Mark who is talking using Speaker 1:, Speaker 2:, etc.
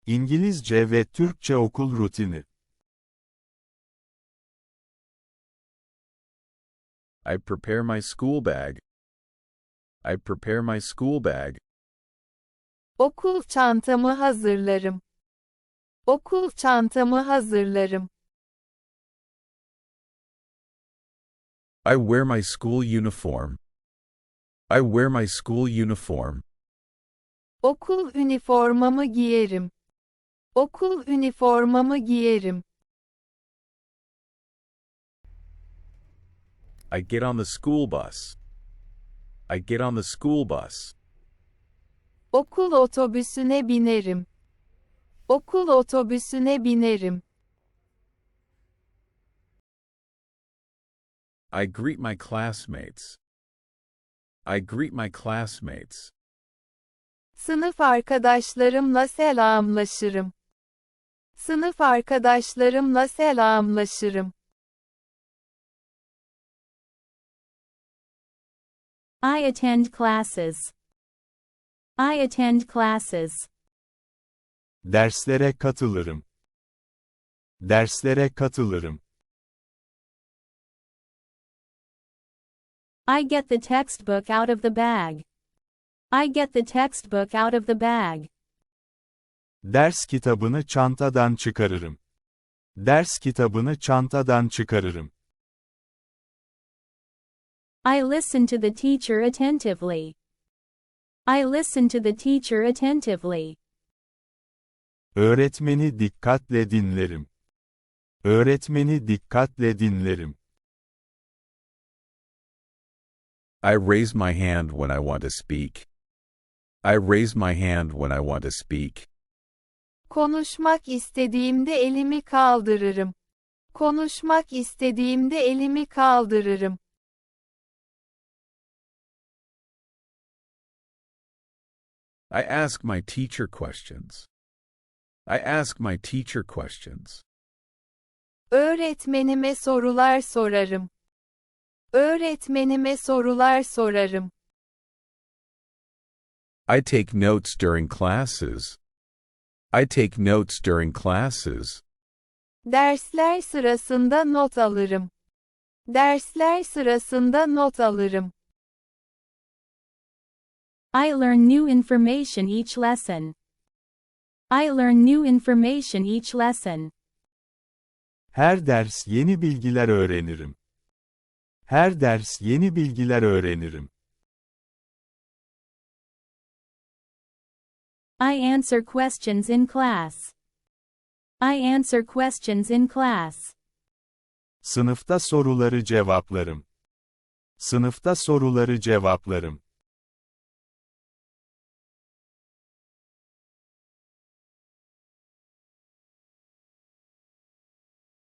Speaker 1: İngilizce ve Türkçe okul rutini.
Speaker 2: I prepare my school bag. I prepare my school bag.
Speaker 3: Okul çantamı hazırlarım. Okul çantamı hazırlarım.
Speaker 2: I wear my school uniform. I wear my school uniform.
Speaker 3: Okul üniformamı giyerim. Okul üniformamı giyerim.
Speaker 2: I get on the school bus. I get on the school bus.
Speaker 3: Okul otobüsüne binerim. Okul otobüsüne binerim.
Speaker 2: I greet my classmates. I greet my classmates.
Speaker 3: Sınıf arkadaşlarımla selamlaşırım. Sınıf arkadaşlarımla selamlaşırım.
Speaker 4: I attend classes. I attend classes.
Speaker 1: Derslere katılırım. Derslere katılırım.
Speaker 4: I get the textbook out of the bag. I get the textbook out of the bag.
Speaker 1: Ders kitabını çantadan çıkarırım. Ders kitabını çantadan çıkarırım.
Speaker 4: I listen to the teacher attentively. I listen to the teacher attentively.
Speaker 1: Öğretmeni dikkatle dinlerim. Öğretmeni dikkatle dinlerim.
Speaker 2: I raise my hand when I want to speak. I raise my hand when I want to speak.
Speaker 3: Konuşmak istediğimde elimi kaldırırım. Konuşmak istediğimde elimi kaldırırım.
Speaker 2: I ask my teacher questions. I ask my teacher questions.
Speaker 3: Öğretmenime sorular sorarım. Öğretmenime sorular sorarım.
Speaker 2: I take notes during classes. I take notes during classes.
Speaker 3: Dersler sırasında not alırım. Dersler sırasında not alırım.
Speaker 4: I learn new information each lesson. I learn new information each lesson.
Speaker 1: Her ders yeni bilgiler öğrenirim. Her ders yeni bilgiler öğrenirim.
Speaker 4: I answer questions in class. I answer questions in class.
Speaker 1: Sınıfta soruları cevaplarım. Sınıfta soruları cevaplarım.